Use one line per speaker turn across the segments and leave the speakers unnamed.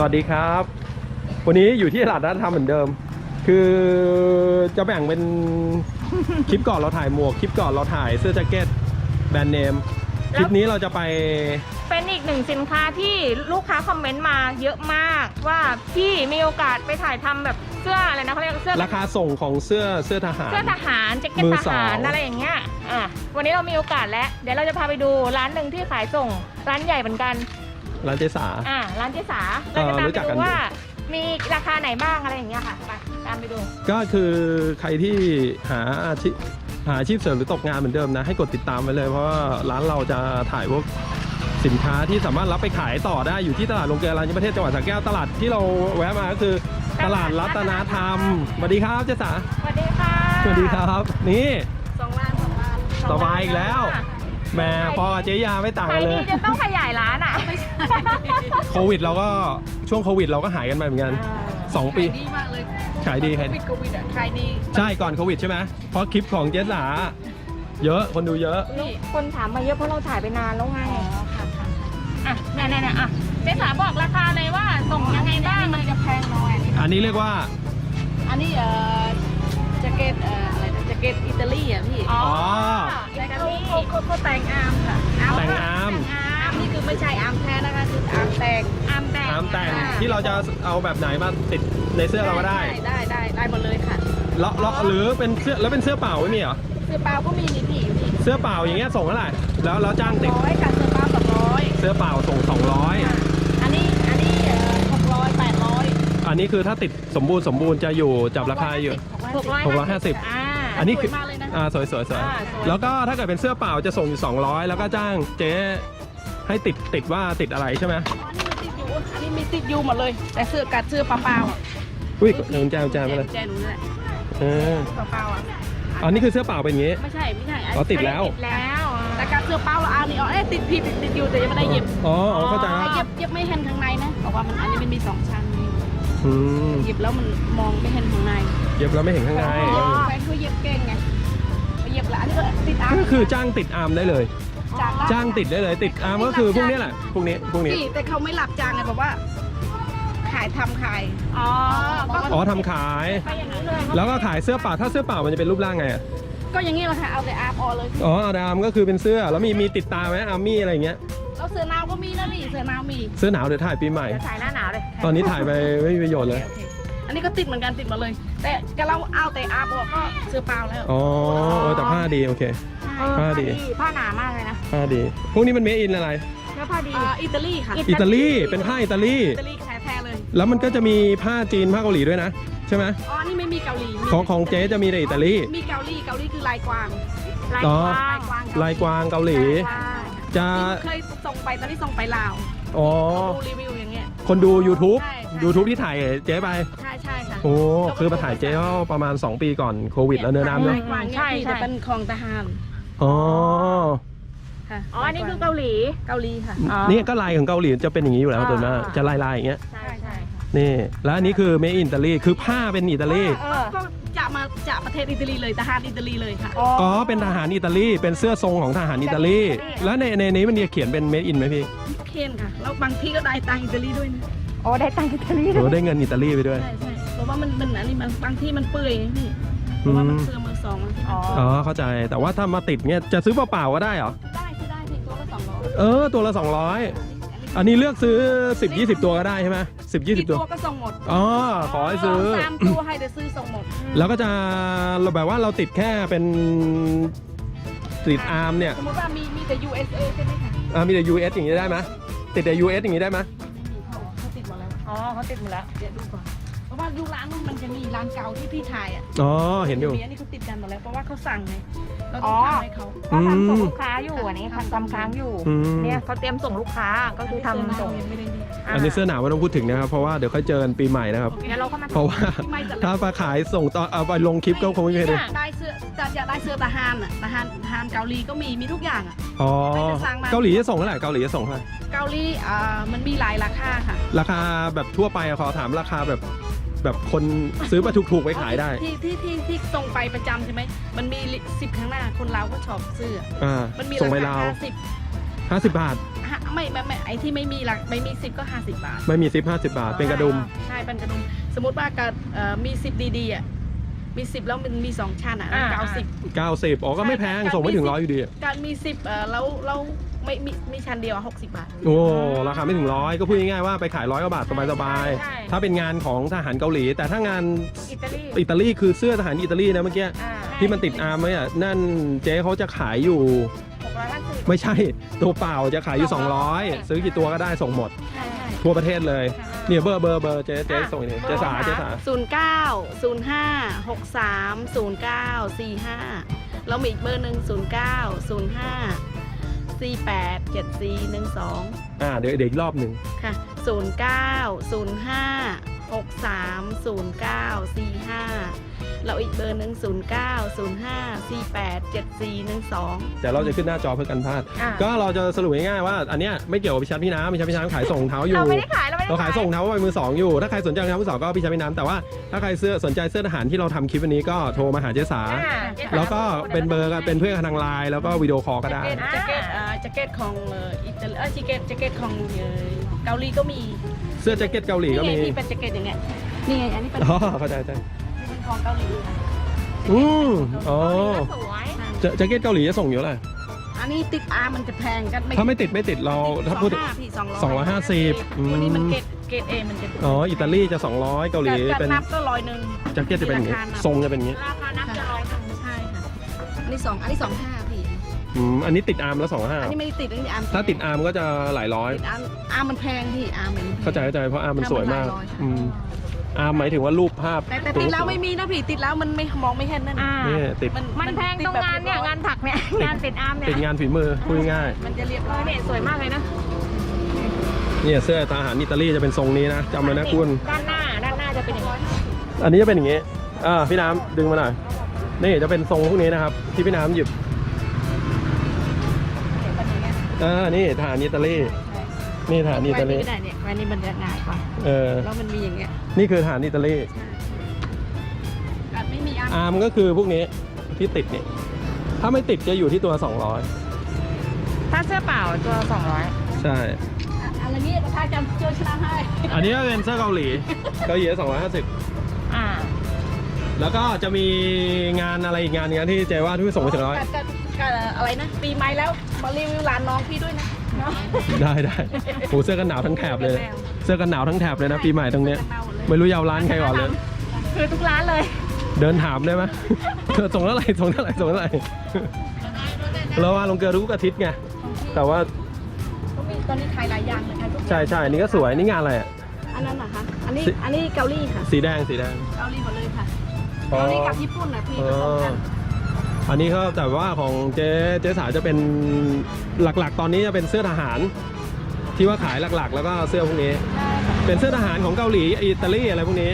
วัสดีครับวันนี้อยู่ที่ตลาดนัดธรรมเหมือนเดิมคือจะแบ่งเป็นคลิปก่อนเราถ่ายหมวกคลิปก่อนเราถ่ายเสื้อแจ็คเก็ตแบรนด์เนมคลิปนี้เราจะไป
เป็นอีกหนึ่งสินค้าที่ลูกค้าคอมเมนต์มาเยอะมากว่าพี่มีโอกาสไปถ่ายทำแบบเสื้ออะไรนะเขาเรียกเสื้อ
ราคาส่งของเสื้อทหาร
แจ็คเก็ตทหารอะไรอย่างเงี้ยวันนี้เรามีโอกาสแล้วเดี๋ยวเราจะพาไปดูร้านหนึ่งที่ขายส่งร้านใหญ่เหมือนกัน
ร้านเจสา
ร้านเจสาเราจะตามไปดูว่ามีราคาไหนบ้างอะไรอย่างเงี้ยค่ะไปตามไปดู
ก็คือใครที่หาอาชีพเสริมหรือตกงานเหมือนเดิมนะให้กดติดตามไว้เลยเพราะว่าร้านเราจะถ่ายพวกสินค้าที่สามารถรับไปขายต่อได้อยู่ที่ตลาดโรงเกลือร้านประเทศจังหวัดสระแก้วตลาดที่เราแวะมาก็คือตลาดรัตนธรรมสวัสดีครับเจสา
สวัสดีค่ะ
สวัสดีครับนี่
2 ล้าน
สบายอีกแล้วแม่พอเจ๊ยาไม่ต่างกันเลย
จะต้องขยายร้าน
โควิดเราก็ช่วงโควิดเราก็หายกันไปเหมือนกัน2 ปี
ดีมากเลย
ขายดี
โควิดขายดี
ใช่ก่อนโควิดใช่ไหมเพราะคลิปของเจ๊สาเยอะคนดูเยอะ
คนถามมาเยอะเพราะเราถ่ายไปนานแล้วไงเนี่ยเจ๊สาบอกราคาเลยว่าส่งยังไงบ้าง
มันจะแพงน้อย
อันนี้เรียกว่า
อันนี้แจ็คเก็ตอะไรนะแจ็คเก็ตอิตาลีอ่ะพี่
อิตาลี
เขาแต่งอาร์มค่ะ
แต่งอาร์ม
นี่คือไม่ใช่อาร์มแท้นะคะคืออาร์มแต่ง
ที่เราจะเอาแบบไหนมาติดในเสื้อเราก็ได้
หมดเลยค่ะ
เลาะหรือเป็นเสื้อแล้วเป็นเสื้อเปล่าไม่มีเหรอ
เสื้อเปล่าก็มีนี่พี่
เสื้อเปล่าอย่างเงี้ยส่งเท่าไหร่แล้วจ้างติด
100กับเสื้อเปล่า200
เสื้อเปล่าส่ง200
อันนี้600 800
อันนี้คือถ้าติดสมบูรณ์จะอยู่จับราคาอยู่650อันนี้คือสวยแล้วก็ถ้าเกิดเป็นเสื้อเปล่าจะส่งอยู่200แล้วก็จ้างเจ๊ให้ติดว่าติดอะไรใช่ไหม
อันนี้มีติดอยู่หมดเลยแต่เสื้อกัดเสื้อเปล่า
อุ้ยเดินแจมาเลย
แจหนูนี่แหละเปล่า
อันนี้คือเสื้อเปล่าเป็นอย่างงี้
ไม่ใช่
อ๋อติดแล้ว
แต่กัดเสื้อเปล่าเรานี่ติดอยู่แต่ยังไม่ได้เย็บ
เข้าใจแล้ว
เย็บไม่เห็นข้างในนะบอกว่ามันอันนี้มันมี2 ชั้นเย็บแล้วมันมองไม่เห็นข้างใน
เย็บแล้วไม่เห็นข้างใน
แฟนเขาเย็บเก่งไงเย็บแล้วอันนี้ติดอาร์ม
ก็คือจ้างติดอาร์มได้เลยจ้างติดได้เลยติดอาร์มก็คือพวกนี้แหละพวกนี้
แต่เขาไม่หลับจ้างไงบอกว่าทำขาย
ทำขายแล้วก็ขายเสื้อเปล่าถ้าเสื้อเปล่ามันจะเป็นรูปร่างไง
ก็อย่างนี้แหละค่ะเอาแต่อาร์มเลย
เอาแต่อาร์มก็คือเป็นเสื้อแล้วมีติดตาไหมอาร์มี่อะไรอย่างเงี้ย
แล้วเสื้อหนาวก็มีนะพี่เสื้อหนาวมี
เสื้อหนาวเดี๋ยวถ่ายปีใหม่
ถ่ายหน้าหนาวเลย
ตอนนี้ถ่ายไปไม่มีประโยชน์เลย
อันนี้ก็ติดเหมือนกันติดมาเลยแต่เราเอาแต่อาร์มก็เสื้อเปล่าแล้ว
แต่ผ้าดีโอเค
ผ้าหนามากเลยนะ
ผ้าดีพวกนี้มันเมดอินอะไร
แล้วผ้าดี
อิตาลีค่ะ
อิตาลีเป็นผ้าอิตาลี
แท้เลย
แล้วมันก็จะมีผ้าจีนผ้าเกาหลีด้วยนะใช่ไหม
นี่ไม่มีเกาหลี
ของเจ๊จะมีแต่อิตาลี
มีเกาหลีคือลายกวาง
ลายกวางเกาหลีจะ
เคยส่งไปตอนที่ส่งไปลาวดูรีวิวอย่างเงี้ย
คนดู YouTube ที่ถ่ายเจ๊ไป
ใช่ค่ะ
คือมาถ่ายเจ๊ประมาณ2 ปีก่อนโควิดแล้วเนื้อน้ำเนาะ
ใช่แต่เป็นของทหาร
อันนี้คือเกาหลี
ค่ะ
นี่ก็ลายของเกาหลีจะเป็นอย่างนี้อยู่แล้วตัวมากจะลายอย่างเงี้ย
ใช่
นี่แล้วอันนี้คือเมดอินอิตาลีคือผ้าเป็นอิตาลี
ก็จะประเทศอิตาลีเลยทหารอิตาลีเลยค่ะ
เป็นทหารอิตาลีเป็นเสื้อทรงของทหารอิตาลีแล้วในนี้มันเขียนเป็นเมดอินไหมพี่
เขียนค่ะแล้วบางที่ก็ได้ตังอิตาลีด้วยนะ
ได้ตังอิตาลี
ได้เงินอิตาลีไปด้วย
ใช่เพราะว่ามันอันนี้มันบางที่มันเปื่อยนี่เพราะว่ามันเสื้อมือสอง
เข้าใจแต่ว่าถ้ามาติดเงี้ยจะซื้อเปล่าๆก็ได้เหรอ
ได้ตัวละ200
ตัวละ200อันนี้เลือกซื้อ10-20 ตัวก็ได้ใช่ไหม10-20 ตัว
ก็ส่งหมด
ขอให้ซื้อ
3 ตัวให้แต่ซื้อส่งหมด
แล้วก็จะแบบว่าเราติดแค่เป็นติดอาร์มเนี่ย
สมมติว่ามีแต่ USA ใช่ไหมคะ
มีแต่ US อย่างนี้ได้ไหมติดแต่ US อย่างนี้ได้ไหม
เขาติดหมดแล้ว
เขาติดหมดแล้ว
เดี๋ยวดูก่อนเพราะว่าดูร้านนู้นมันจะมีร้านเก่าที่พี่ถ่าย
เห็นอยู่
อันนี้เขาติดกันหมดแล้วเพราะว่าเขาสั่งไงเราต้องทำให้เขา
ก็ทำส่งลูกค้าอยู่อันนี้ทำค้างอยู่เนี่ยเขาเตรียมส่งลูกค้าก็คือทำส่ง
อันนี้เสื้อหนาวไม่ต้องพูดถึงนะครับเพราะว่าเดี๋ยวค่อยเจอกันปีใหม่นะครับเพราะว่าถ้ามาขายส่งตอนเอาไปลงคลิปก็คงไม่ได้
ได้เสื้อจะได้เสื้อทหารเกาหลีก็มีทุกอย่าง
เกาหลีจะส่งเท่าไหร่เกาหลีจะส่งเท่าไหร่
เกาหลีมันมีหลายราคาค่ะ
ราคาแบบทั่วไปขอถามราคาแบบคนซื้อมาถูกๆไว้ขายได้
ที่ส่งไปประจำใช่ไหมมันมี10ข้างหน้าคนลาวก็ชอบซื้อมันมีราคา50
50 บาท
ไม่ไอ้ที่ไม่มีหลักไม่มี10ก็50 บาท
ไม่มีซิป50 บาท เป็นกระดุม
ใช่เป็นกระดุมสมมติว่าการมี10ดีๆอ่ะมี10แล้วมันมี2ชั้นอ่ะ90
90อ๋อก็ไม่แพงส่งไม่ถึง100อยู่ดี
การมี10แล้วไม่มีชั้นเดียว60 บาท
โอ้ราคาไม่ถึง100ก็พูดง่ายๆว่าไปขาย100 กว่าบาทสบายๆถ้าเป็นงานของทหารเกาหลี แต่ถ้างาน
อิตาลี
คือเสื้อทหารอิตาลีนะเมื่อกี้ ที่มันติดอาร์มไว้อะนั่นเจ๊เขาจะขายอยู่
650
ไม่ใช่ตัวเปล่าจะขายอยู่200ซื้อกี่ตัวก็ได้ส่งหมด
ใช่
ทั่วประเทศเลยเนี่ยเบอร์เจ๊ส่งนี่เจ๊สา
09 แล้วมีอีกเบอร์หนึ่ง09 05 48 74 12
เดี๋ยวอีกรอบหนึ่ง
ค่ะ09 05 63 09 45 แล้วอีกเบอร์หนึ่ง09 05 48 74 12
แต่เราจะขึ้นหน้าจอเพื่อกันพลาดก็เราจะสรุปง่ายๆว่าอันเนี้ยไม่เกี่ยวกับพิชัดพี่น้ำขายส่งเท้าอยู่
เราไม่ได้ขายเรา
ขายส่งเท้าไปมือสองอยู่ถ้าใครสนใจรองเท้ามือสองก็พิชัดพี่น้ำแต่ว่าถ้าใครสนใจเสื้อทหารที่เราทำคลิปวันนี้ก็โทรมาหาเจ๊สาแล้วก็เป็นเบอร์กันเป็นเพื่อนทางไลน์แล้วก็วิดีโอคอลก็ได้
แจ็คเก็ตของอิตาลีแจ็คเก็ตของเกาหลีก็มี
เสื้อแจ็คเก็ตเกาหลีก็มี
นี่เป็นแจ็คเก็ตอย่างเงี้ยนี่ไงอันนี้เป็น
อ๋อเข้าใจ
เป็นของเกาหลี
อ๋อ
สวย
แจ็คเก็ตเกาหลีจะส่งอยู่เท่าไหร่
อันนี้ติดอาร์มันจะแพงกัน
ถ้าไม่ติดเราถ้าพูด
250วันนี้มันเกรดเอมันจะ
อ๋ออิตาลีจะ200เกาหลีเป็น
นับก็100
แจ็คเก็ตจะเป็นอย่างนี้ทรงจะเป็นอย่างนี้
ราคานับจะ100
ใช่ค่ะอันนี้25พี่
อันนี้ติดอาร์มแล้ว
อันนี้ไม่ได้ติดอันนี้อาร์ม
ถ้าติดอาร์มก็จะหลายร้อย
ติดอาร์มมันแพงพี่อาร์มมัน
เข้าใจเพราะอาร์มมันสวยมากอาร์มหมายถึงว่ารูปภาพ
แต่ติดแล้วไม่มีนะพี่ติดแล้วมันไม่มองไม่เห็นนั่น
นี่ติด
มันแพงตรงงานเนี่ยงานถักเนี่ยงานติดอาร์มเนี่ย
ติดงานฝีมือพูดง่าย
มันจะเรียบร้อย
เนี่ยสวยมากเลยนะ
เนี่ยเสื้อทหารอิตาลีจะเป็นทรงนี้นะจำไว้นะคุณ
ด้านหน้าจะเป็นอย่างนี้
อันนี้จะเป็นอย่างนี้พี่น้ำดึงมาหน่อยนี่จะเป็นทรงพวกนี้นะครับที่พี่น้ำหยิบนี่ทหารอิตาลีนี่ทหารอิตาลี
ไม่ได้เนี่ยวันนี้มันจะง่ายกว่าแล้วมันมีอย่างเงี้ย
นี่คือทหารอิตาลี
การไม่มี
อาร์มก็คือพวกนี้ที่ติดนี่ถ้าไม่ติดจะอยู่ที่ตัว
ถ้าเสื้อเปล่าตัว200
ใช่
อะไรนี้ประธานจำเจอชนะให้
อันนี้ก็เป็นเสื้อเกาหลี250แล้วก็จะมีงานอะไรอีกงานนึงที่เจว่าที่ส่งไปถึง100
อะไรนะปีใหม่แล้วมารีวิวร้านน้องพี่ด้วยนะ
ได้โหเสื้อกันหนาวทั้งแถบเลยเสื้อกันหนาวทั้งแถบเลยนะปีใหม่ตรงเนี้ยไม่รู้ยาวร้านใครก่อนเลย
คือทุกร้านเลย
เดินถามได้ไหมส่งเท่าไหร่เราว่าลงเกลือทุกอาทิตย์ไงแต่ว่า
ตอนนี้ขายหลายอย่างเลยค่ะทุก
ใช่อันนี้ก็สวยนี่งานอะไรอ่ะ
อันนั้นนะคะอันนี้เกาหลีค่ะ
สีแดง
เกาหลีหมดเลยค่ะเกาหลีกับญี่ปุ่นนะพี่ผสมกัน
อันนี้ก็แต่ว่าของเจ๊สาวจะเป็นหลักๆตอนนี้จะเป็นเสื้อทหารที่ว่าขายหลักๆแล้วก็เสื้อพวกนี้เป็นเสื้อทหารของเกาหลีอิตาลีอะไรพวกนี้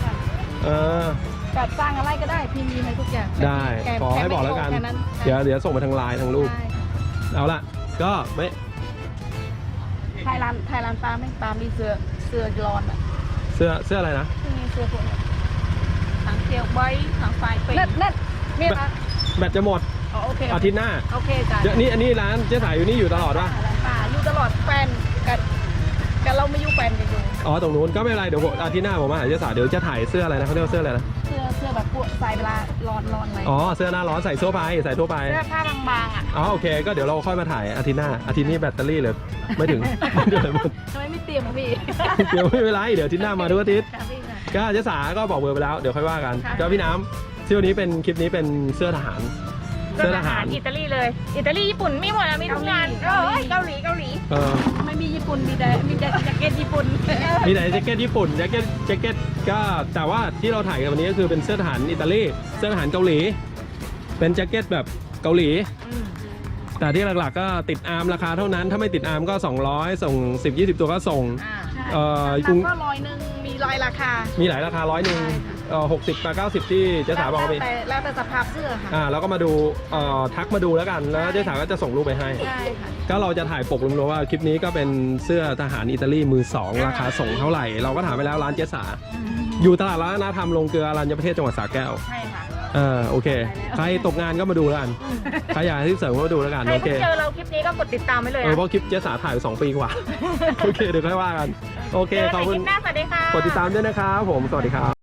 แบบสร้างอะไรก็ได้พี่มีให้ทุกอย่าง
ได้ขอให้บอกแล้วกันเดี๋ยวส่งมาทางไลน์ทางรูปเอาละก็ไม่
ไทยร้านปลาไม่ปลามีเสื้อร้อนอ่ะ
เสื้ออะไรนะ
มีเสื้อพวกนี้ทางเทียวใบทางไฟเป็นนี่นะ
แบตจะหมด
โอเค
อาทิตย์หน้า
โอเคจ้ะ
อันนี้ร้านเจ๊สายอยู่นี่อยู่ตลอดป่ะ
อยู่ตลอดแฟนกันเราไม่อยู่แฟนกันอยู่
ตรงนู้นก็ไม่เป็นไรเดี๋ยวอาทิตย์หน้าผมมาหาเจ๊สายเดี๋ยวจะถ่ายเสื้ออะไรนะเขาเรียกว่าเสื้ออะไรนะ
เสื้อแบบพวกใส่เวลาร้อนอะไร
เสื้อหน้าร้อนใส่ทั่วไป
เสื้อผ้าบางๆ
โอเคก็เดี๋ยวเราค่อยมาถ่ายอาทิตย์หน้าอาทิตย์นี้แบตเตอรี่เลยไม่ถึงเดือนหมด
ทำไมไม่เตรียมพี่
เดี๋ยวไม่เป็นไรเดี๋ยวอาทิตย์หน้ามาทุกอาทิตย์ก็เจ๊สาก็บอกเบอร์ไปแล้วเดี๋ยวค่อยว่ากันก็พี่น้ำที่วันนี้เป็นคลิปนี้เป็นเสื้อทหาร
อิตาลีเลยอิตาลีญี่ปุ่นมีหมดมีทุกงานเกาหลี
ไม่มีญี่ปุ่นมีแต่แจ็คเก็ตญี่ปุ่น
มีแต่แจ็คเก็ตญี่ปุ่นแจ็คเก็ตก็แต่ว่าที่เราถ่ายกันวันนี้ก็คือเป็นเสื้อทหารอิตาลีเสื้อทหารเกาหลีเป็นแจ็คเก็ตแบบเกาหลีแต่ที่หลักๆก็ติดอาร์มราคาเท่านั้นถ้าไม่ติดอาร์มก็200ส่ง10-20 ตัวก็ส่ง
ก็100มีหลายราคา
มีหลายราคา100 60กับ90ที่เจ๊สาบอกมี
แล้วแต่สภาพเสื้อค่ะ
แล้วก็มาดูทักมาดูแล้วกันแล้วเจ๊สาก็จะส่งรูปไปให้
ใช่ค่ะ
ก็เราจะถ่ายปกรวมๆว่าคลิปนี้ก็เป็นเสื้อทหารอิตาลีมือสองราคาส่งเท่าไหร่เราก็ถามไปแล้วร้านเจ๊สาอยู่ตลาดร้านนาธรรมลงเกลืออรัญญประเทศจังหวัดสระแก้ว
ใช่ค่ะ
โอเคใครตกงานก็มาดูแล้วกันใครอยากให้ที่เสริมก็มาดูแล้วกัน
ใคร
โอเค
เพิ่งเจอเราคลิปนี้ก็กดติดตามไว้เลย
เพราะคลิปเจ๊สาถ่าย2 ปีกว่า โอเคเดี๋ยวค่อยว่ากันโอเค
เจอกัน
ขอบ
ใน
คุ
ค
ณ
ลิปหน้าสวัสดีค่ะ
กดติดตามด้วยนะครับผมสวัสดีครับ